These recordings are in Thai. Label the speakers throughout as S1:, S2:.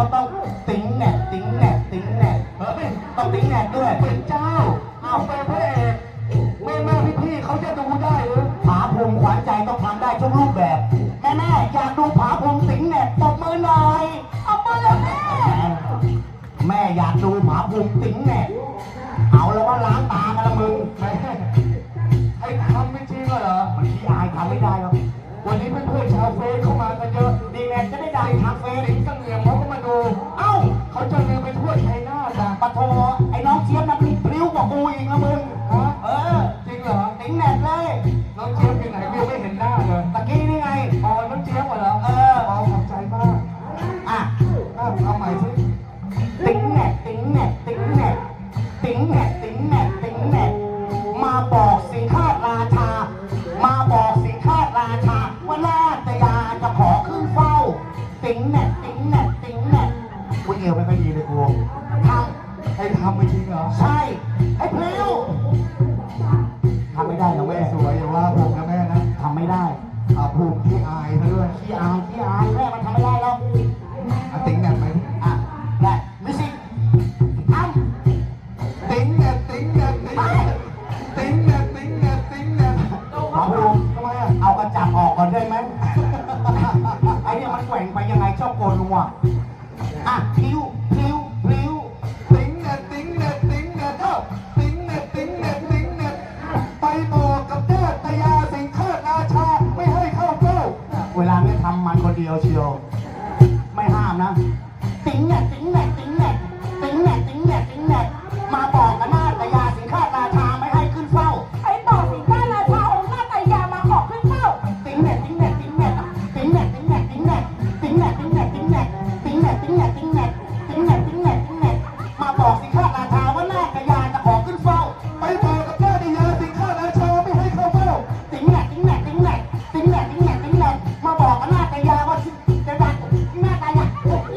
S1: ก็ต้องติ๋งแหนกติ๋งแหนกติ๋งแหนกเฮ้ยต้องติ๋งแหนกด้วย
S2: เป็นเจ้าเอาไปพระเอกแม่พี่เขาจะดูได้หรือ
S1: ผาภูมิขวัญใจต้องทำได้ทุกรูปแบบแม่อยากดูผาภูมิติ๋งแหนกตบมือหน่อยเอามือเลยแม่อยากดูผาภูมิติ๋งแหนกเอาแล้วว่าล้างตากันละมึง
S2: แม่ไอ้ทำไม่จริงเหรอ
S1: มันขี้อายทำไม่ได้หรอก
S2: วันนี้เพื่อนๆชาวเฟซเข้ามากันเยอะ
S1: ดีแน่จะได้ดังทางเฟซ
S2: ติ๋งกังเหงียมเขาก็มาดู
S1: เอ้า
S2: เขาจะเดินไปทั่วชัยนาทนะ
S1: ปะโทไอ้น้องเจี๊ยบนะพลิ้วกว่ากูอีกนะมึง
S2: ฮะจริงเหรอ
S1: ติ๋งแหนกเลย
S2: น้องเจี๊ยบอยู่ไหนกูไม่เห็นหน้าเลย
S1: ตะกี้นี่ไง
S2: อ๋อน้องเจี๊ยบเหรอขอบใจมาก
S1: อ่ะ
S2: เอาใหม่สิ
S1: ติ๋งแหนกติ๋งแหนกติ๋งแหนกติ๋งแหนกติ๋งแหนกติ๋งแหนกมาบอกสิงค้าราชามาบอกสิงค้าราชาว่านาตยาจะขอขึ้นเฝ้าติ๋งแหนกติ๋งแหนกติ๋งแหนกกูเอวไม่ค่อยดีเลยกู
S2: ให้ทำไม่จริงเหรอ
S1: ใช่ให้พลิ้วทำไม่ได้นะแม่
S2: สวยอย่าว่าผมนะแม่นะ
S1: ทำไม่ได้
S2: ภูมิขี้อายซะด้วย
S1: ขี้อายแม่มันทำไม่ได้แล้ว
S2: ติ๋งแหนกไหม
S1: ได้มิสิท
S2: ำติ๋งแหนกติ๋งแหนกติ๋งแหนกติ๋งแหนกติ๋งแหนกติ๋งแหนก
S1: หมอภูมิทำไมเอากระจับออกก่อนได้ไหมไอ้เนี่ยมันแกว่งไปยังไงชอบโกนหัวพลิ้วติ๋งแหนก
S2: ติ๋งแหนกติ๋งแหนกติ๋งแหนกติ๋งแหนกติ๋งแหนกไปบอกกับนาตยาสิงค้าราชาไม่ให้เข้าเฝ้า
S1: เวลาไม่ทำมันคนเดียวเชียวไม่ห้ามนะติ๋งแหนกติ๋งแหนกติ๋งแหนกติ๋งแหนกติ๋งแหนกติ๋งแหนกมาบอกกับนาตยาสิงค้าราชาไม่ให้ขึ้นเฝ้า
S3: ไอ้บอกสิงค้าราชาองค์นาตยามาขอขึ้นเฝ้า
S1: ติ๋งแหนกติ๋งแหนกติ๋งแหนกติ๋งแหนกติ๋งแหนกติ๋งแหนกติ๋งแหนกติ๋งแหนกติ๋งแหนกติ๋งแหนกติ๋งแหนกติ๋งแหนกติ๋งแหนกติ๋งแหนกติ๋งแหนกมาบอกสิงค้าราชาว่านาตยาจะขอขึ้นเฝ้า
S2: ไปบอกกับนาตยาสิงค้าราชาไม่ให้เข้าเฝ้า
S1: ติ๋งแหนกติ๋งแหนกติ๋งแหนกติ๋งแหนกติ๋งแหนกติ๋งแหนกมาบอกกับนาตยาว่าจะดังนาตยา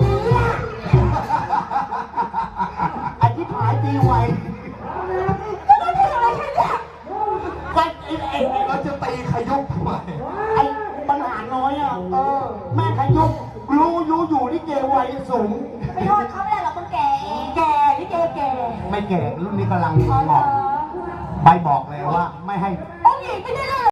S1: อธิษฐานตีไว
S2: เราจะตีขยุกทำไม
S1: ไอ้ปัญหาน้อยแม่ขยุกรู้อยู่นี่เกวัยสูง
S3: ไม่โทษเขาไม่ได้หรอกคนแก่นี่แก่
S1: ไม่แก่รุ่นนี้กำลังเหมาะใบบอกเลยว่าไม่ให้
S3: องค์หญิงไม่ได้เลย